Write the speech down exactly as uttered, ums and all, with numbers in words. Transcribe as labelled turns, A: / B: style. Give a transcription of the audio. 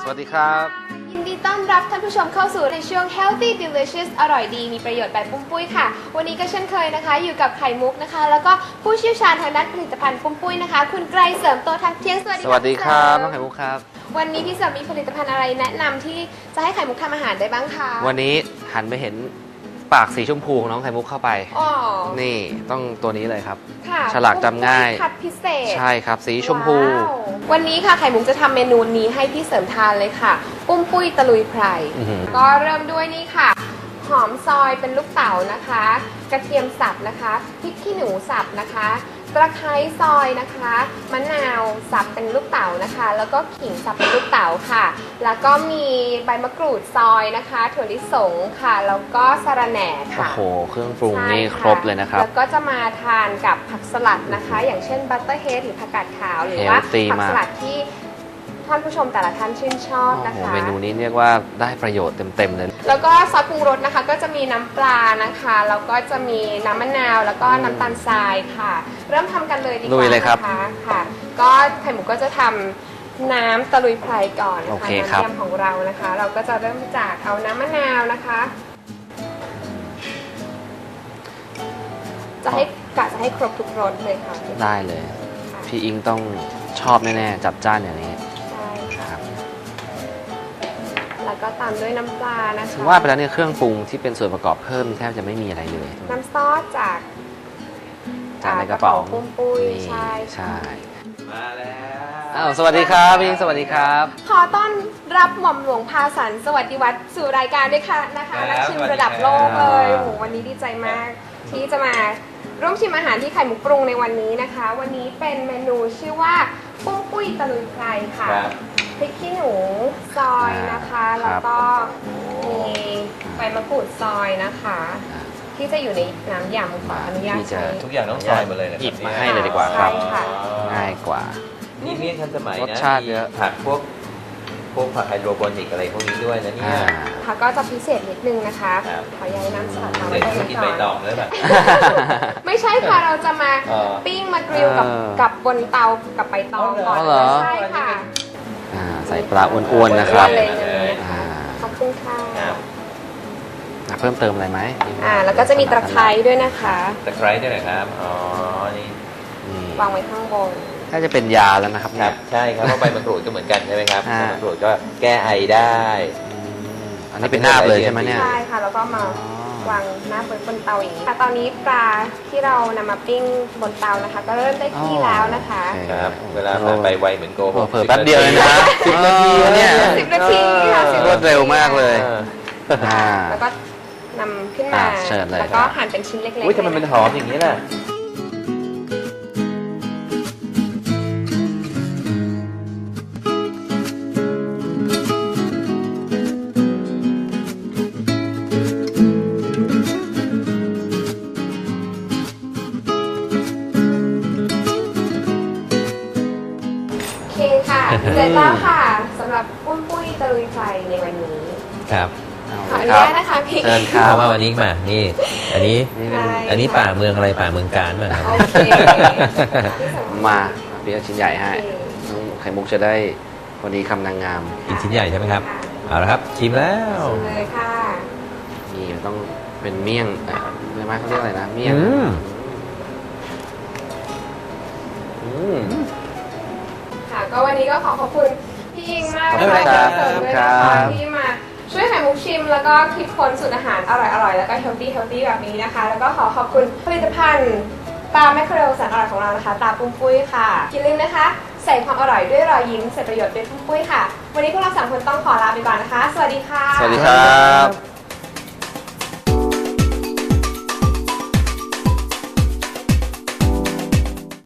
A: สวัสดีครับ
B: ยินดีต้อนรับท่านผู้ชมเข้าสู่ในช่วง Healthy Delicious อร่อยดีมีประโยชน์แบบปุ้มปุ้ยค่ะวันนี้ก็เช่นเคยนะคะอยู่กับไข่มุกนะคะแล้วก็ผู้เชี่ยวชาญทางด้านผลิตภัณฑ์ปุ้มปุ้ยนะคะคุณไกรเสริมโตทักเที่ยงสวัสดี
A: สวัสดีครับน้องไข่มุกครับ
B: วันนี้พี่เสริมมีผลิตภัณฑ์อะไรแนะนำที่จะให้ไข่มุกทำอาหารได้บ้างคะ
A: วันนี้หันไปเห็นปากสีชมพูของน้องไข่มุกเข้าไปอ๋อนี่ต้องตัวนี้เลยครับฉลากจำง่าย
B: คัดพิเศษ
A: ใช่ครับสีชมพู
B: วันนี้ค่ะไข่มุกจะทำเมนูนี้ให้พี่เสริมทานเลยค่ะปุ้มปุ้ยตะลุยไพรก็เริ่มด้วยนี่ค่ะหอมซอยเป็นลูกเต๋านะคะกระเทียมสับนะคะพริกขี้หนูสับนะคะตะไคร้ซอยนะคะมะนาวสับเป็นลูกเต๋านะคะแล้วก็ขิงสับเป็นลูกเต๋าค่ะแล้วก็มีใบมะกรูดซอยนะคะถั่วลิสงค่ะแล้วก็สะระแหน่ค่ะ
A: โอ้โหเครื่องปรุงนี่ครบเลยนะครับ
B: แล้วก็จะมาทานกับผักสลัดนะคะอย่างเช่นบัตเตอร์เฮดหรือผักกาดขาวหรือว่าผักสลัดที่ท่านผู้ชมแต่ละท่านชื่นชอบนะคะ
A: เมนูนี้เรียกว่าได้ประโยชน์เต็มๆเลย
B: แล้วก็ซอสปรุงรสนะคะก็จะมีน้ำปลานะคะแล้วก็จะมีน้ำมะนาวแล้วก็น้ำตาลทรายค่ะเริ่มทำกันเลยดีกว่านะคะค่ะก็ไข่หมูก็จะทำน้ำตะลุยไพรก่อนนะคะน้ำยำของเรานะคะเราก็จะเริ่มจากเอาน้ำมะนาวนะคะจะให้กะจะให้ครบทุกรสเลยค่ะ
A: ได้เลยพี่อิงต้องชอบแน่ๆจับจ้านอย่างนี้
B: แล้วก็ตามด้วยน้ำปลานะคะ
A: ว่าไปแล้วเนี่ยเครื่องปรุงที่เป็นส่วนประกอบเพิ่มแทบจะไม่มีอะไรเลย
B: น้ำซอสจาก
A: จากในกระเป๋า
B: ปุ้มปุ้ยใช่
A: ใช่มาแล้วอ้าวสวัสดีครับพี่สวัสดีครับ
B: ขอต้อนรับหม่อมหลวงพาสันสวัสดิวัฒน์สู่รายการด้วยค่ะนะคะนักชิมระดับโลกเลยโอ้โหวันนี้ดีใจมากที่จะมาร่วมชิมอาหารที่ไข่มุกปรุงในวันนี้นะคะวันนี้เป็นเมนูชื่อว่าปุ้มปุ้ยตะลุยไพรค่ะพริกขี้หนูซอยนะคะแล้วก็มีใบมะกรูดซอยนะคะที่จะอยู่ในน้ำยำขออนุญาตใช้
C: ทุกอย่างต้องซอยหมดเลยนะ
A: หยิบมาให้เลยดีกว่าครับง่ายกว่า
C: นี่นี่ทันสมัยนะ
A: รสชาติเยอะ
C: ผักพวกพวกผักไฮโดรโปนิกอะไรพวกนี้ด้วยนะเนี่ย
B: ผักก็จะพิเศษนิดนึงนะคะขอย้ายน้ำสลัดมาไว้ก่อน
C: กินใบตองเลยแบบ
B: ไม่ใช่ค่ะเราจะมาปิ้งมากริลกับกับบนเตากับใบตองก่อนใช่ค่ะ
A: ใส่ปลาอ้วนๆนะครับ
B: ขอบคุณค่ะ
A: เพิ่มเติมอะไรไหม
B: อ่าแล้วก็จะมีตะไคร้ด้วยนะคะ
C: ตะไคร้ด้วยนะครับอ๋อนี่
B: วางไว้ข้างบน
A: ถ้าจะเป็นยาแล้วนะครับ
C: ครับใช่ครับเพราะใบมะกรูดก็เหมือนกันใช่ไหมครับใบมะกรูดก็แก้ไอได้
A: อันนี้เป็นหน้าเลยใช่ไหมเนี่ย
B: ใช่ค่ะแล้วก็มาวางหน้าบนเตาอย่างนี้ตอนนี้ปลาที่เรานำมาปิ้งบนเตานะคะก็เริ่มได้ที่แล้วนะคะ
C: ครับเวลาผ่านไปไวเหมือนโกหก
A: เผลอแป๊บเดียวเลยนะ
C: สิบนาที
A: เนี่ย
B: สิบนาทีค่ะ
A: รวดเร็วมากเลย
B: แล้วก็นำขึ้นมาแล้วก็หั่นเป็นชิ้นเล็กๆ
C: อุ้ยทำไมมันหอมอย่างนี้ล่ะ
B: โอเคค่ะเสร็จแล้วค่ะสำหรับปุ้มปุ้ยตะลุยไฟในวันนี้
C: ครับ
B: ขออนุญาตนะคะพี่
C: เชิญครับว่าวันนี้มานี่อันนี้อันนี้ป่าเมืองอะไรป่าเมืองการมา
B: โอเค
A: มาพี่เอาชิ้นใหญ่ให้น้องไข่มุกจะได้วันนี้คำนางงาม
C: อีกชิ้นใหญ่ใช่ไหมครับเอาละครับชิมแล้ว
B: ชิมเลยค่ะ
A: นี่ต้องเป็นเมี่ยงเรียกไหมเขาเรียกอะไรนะเมี่ยง
B: ค่ะก็วันนี้ก็ขอขอบคุณพี่อิงมากเลยค่ะที่มาช่วยไข่มุกชิมแล้วก็คิดค้นสูตรอาหารอร่อยๆแล้วก็เฮลตี้เฮลตี้แบบนี้นะคะแล้วก็ขอขอบคุณผลิตภัณฑ์ปลาแมคเคอเรลแสนอร่อยของเรานะคะตาปุ้มปุ้ยค่ะอย่าลืมนะคะใส่ความอร่อยด้วยรอยยิ้มใส่ประโยชน์ด้วยปุ้มปุ้ยค่ะวันนี้พวกเราสามคนต้องขอลาไปก่อนนะคะสวัสดีค่ะ
A: สวัสดีครับ